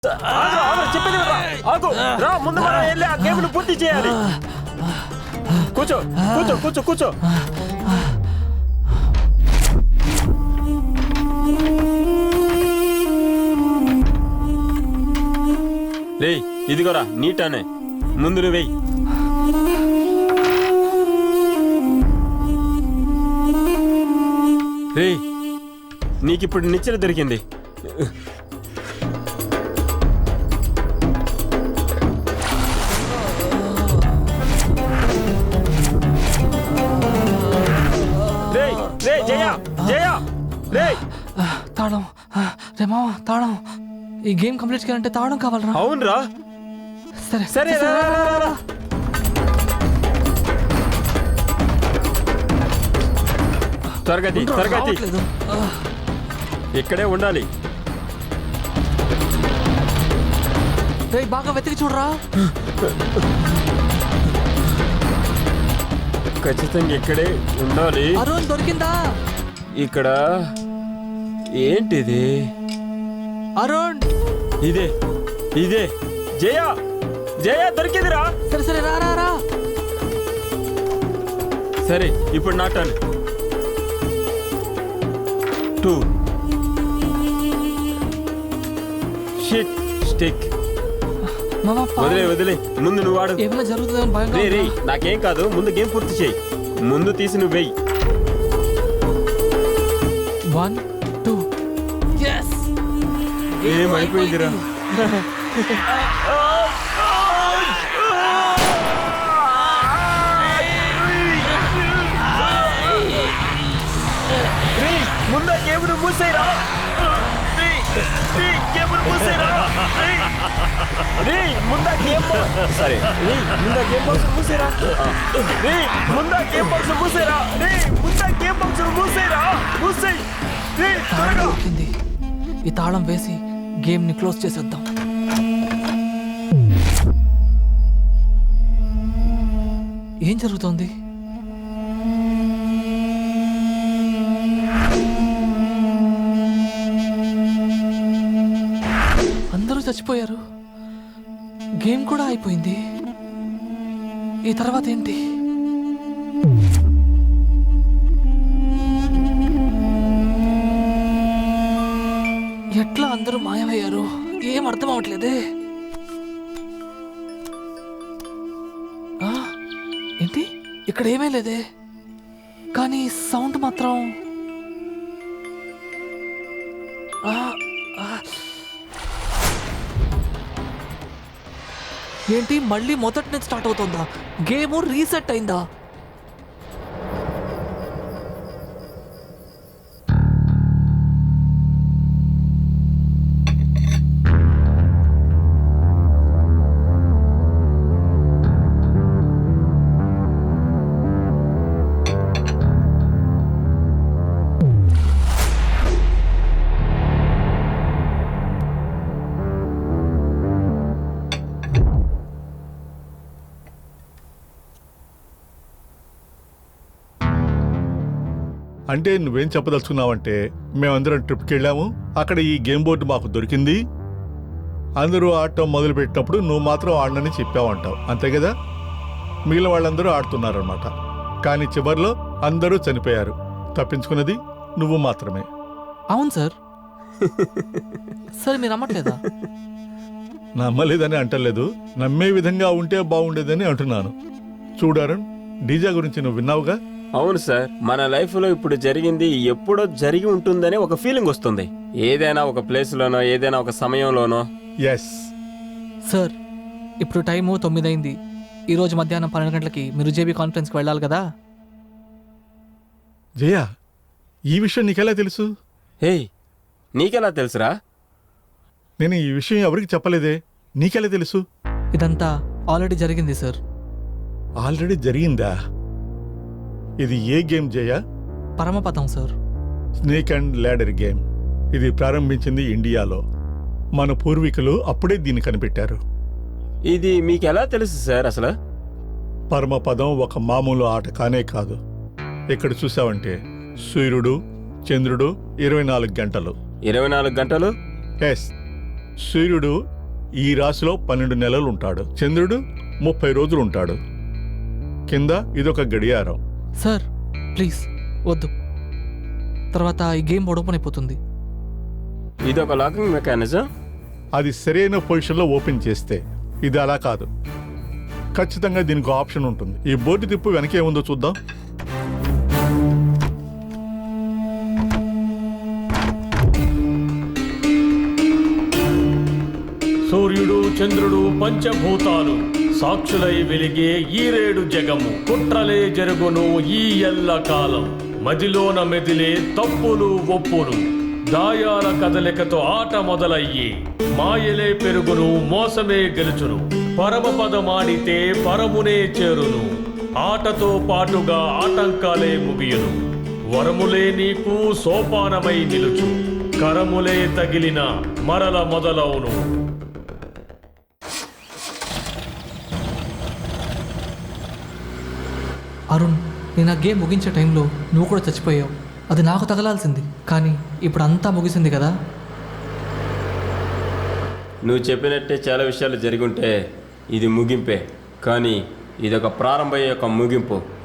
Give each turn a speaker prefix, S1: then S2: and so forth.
S1: చెప్పేది ఆగు రా, ముందు మనం వెళ్ళి ఆ గేమ్ను పూర్తి చేయాలి. కూర్చో కూర్చో కూర్చో కూర్చో. రే ఇదిగోరా నీటానే, ముందు నువ్వు వెయ్యి. రే నీకిప్పుడు నిచ్చెన దొరికింది. రే జయ జయ రే
S2: తాళం రే మామ, తాళం. ఈ గేమ్ కంప్లీట్ చేయాలంటే తాళం కావాలరా.
S1: అవునరా,
S2: సరే
S1: సరే త్వరగతి త్వరగతి, ఇక్కడే ఉండాలి.
S2: రే బాగా వెతికి చూడరా.
S1: ఖచ్చితంగా ఇక్కడే ఉండాలి.
S2: అరుణ్ దొరికిందా?
S1: ఇక్కడ ఏంటిది?
S2: అరుణ్
S1: ఇదే ఇదే జయ జయ దొరికిందిరా.
S2: సరే సరే రా రా రా.
S1: సరే ఇప్పుడు నా టర్న్. 2 shit stick.
S2: మామ
S1: వదిలే వదిలే, ముందు నువ్వు ఆడు.
S2: ఏమైనా జరుగుతుందని భయంగా
S1: రే రే
S2: ఉందా?
S1: నాకేం కాదు, ముందు గేమ్ పూర్తి చేయి. ముందు తీసి నువ్వు వెయ్యి.
S2: 1 2 yes.
S1: ఏమైపోయిందిరా? ముందు గేమ్ ను మూసేరా. ముందా గేమ్ సరే ముందా గేమ్ బాక్స్ మూసేరా. ముందా గేమ్ బాక్స్ మూసేరా. ముందా గేమ్ బాక్స్ మూసేరా. మూసేయ్ త్వరగా.
S2: దొరికింది. ఈ తాళం వేసి గేమ్ ని క్లోజ్ చేసేద్దాం. ఏం జరుగుతోంది? అందరూ చచ్చిపోయారు, గేమ్ కూడా అయిపోయింది. ఈ తర్వాత ఏంటి? ఎట్లా అందరూ మాయమయ్యారు? ఏం అర్థం అవట్లేదే. ఏంటి ఇక్కడ ఏమీ లేదే, కానీ సౌండ్ మాత్రం ఏంటి మళ్ళీ మొదటి నుంచి స్టార్ట్ అవుతుందా? గేమ్ రీసెట్ అయిందా?
S3: అంటే నువ్వేం చెప్పదలుచుకున్నావంటే, మేమందరం ట్రిప్కి వెళ్ళాము, అక్కడ ఈ గేమ్ బోర్డు మాకు దొరికింది, అందరూ ఆడటం మొదలుపెట్టినప్పుడు నువ్వు మాత్రం ఆడనని చెప్పావంటావు, అంతే కదా? మిగిలిన వాళ్ళందరూ ఆడుతున్నారన్నమాట. కానీ చివరిలో అందరూ చనిపోయారు, తప్పించుకున్నది నువ్వు మాత్రమే.
S2: అవును సార్. సరే మీరు నమ్మట్లేదా?
S3: నమ్మలేదని అంటలేదు, నమ్మే విధంగా ఉంటే బాగుండేదని అంటున్నాను. చూడారన్, డీజా గురించి నువ్వు విన్నావుగా?
S1: అవును సార్, మన లైఫ్ లో ఇప్పుడు జరిగింది ఎప్పుడో జరిగి ఉంటుందని ఒక ఫీలింగ్ వస్తుంది. ఏదైనా ఒక ప్లేస్ లోనో, ఏదైనా ఒక సమయంలోనో.
S3: ఎస్
S2: సార్, ఇప్పుడు టైము 9 అయింది. ఈరోజు మధ్యాహ్నం 12 గంటలకి మీరు జేబీ కాన్ఫరెన్స్కి వెళ్ళాలి కదా?
S3: జయ, ఈ విషయం నీకెలా తెలుసు?
S1: హే నీకెలా తెలుసురా?
S3: నేను ఈ విషయం ఎవరికి చెప్పలేదే, నీకెలా తెలుసు?
S2: ఇదంతా ఆల్రెడీ జరిగింది సార్.
S3: ఆల్రెడీ జరిగిందా? ఇది ఏ game Jaya?
S2: Paramapadam sir.
S3: Snake and ladder game. ఇది ప్రారంభించింది ఇండియాలో. మన పూర్వీకులు అప్పుడే దీన్ని కనిపెట్టారు.
S1: ఇది మీకెలా తెలుసు సార్ అసలు?
S3: పరమపదం ఒక మామూలు ఆట కానే కాదు. ఇక్కడ చూసావంటే సూర్యుడు, చంద్రుడు 24 గంటలు.
S1: 24 గంటలు?
S3: ఎస్. సూర్యుడు ఈ రాశిలో 12 నెలలు ఉంటాడు. చంద్రుడు 30 రోజులు ఉంటాడు. కింద ఇదొక గడియారం.
S2: సార్ ప్లీజ్ వద్దు, తర్వాత ఈ గేమ్ ఓపెన్ అయిపోతుంది.
S1: ఇదొక లాకింగ్ మెకానిజం.
S3: అది సరైన పొజిషన్లో ఓపెన్ చేస్తే. ఇది అలా కాదు. ఖచ్చితంగా దీనికి ఆప్షన్ ఉంటుంది. ఈ బోర్డు తిప్పు వెనకేముందో చూద్దాం.
S4: సూర్యుడు చంద్రుడు పంచభూతాలు సాక్షులై వెలిగే ఈ రేడు జగము. కుట్రలే జరుగును ఈ ఎల్ల కాలం, మదిలోన మెదిలే తప్పులు ఒప్పులు. దాయాల కదలికతో ఆట మొదలయ్యి, మాయలే పెరుగును మోసమే గెలుచును. పరమపదమాడితే పరమునే చేరును, ఆటతో పాటుగా ఆటంకాలే ముగియును. వరములే నీకు సోపానమై నిలుచు, కరములే తగిలిన మరల మొదలవును.
S2: అరుణ్, నేను ఆ గేమ్ ముగించే టైంలో నువ్వు కూడా చచ్చిపోయావు. అది నాకు తగలాల్సింది, కానీ ఇప్పుడు అంతా ముగిసింది కదా.
S1: నువ్వు చెప్పినట్టే చాలా విషయాలు జరిగి ఉంటే ఇది ముగింపే, కానీ ఇదొక ప్రారంభం యొక్క ముగింపు.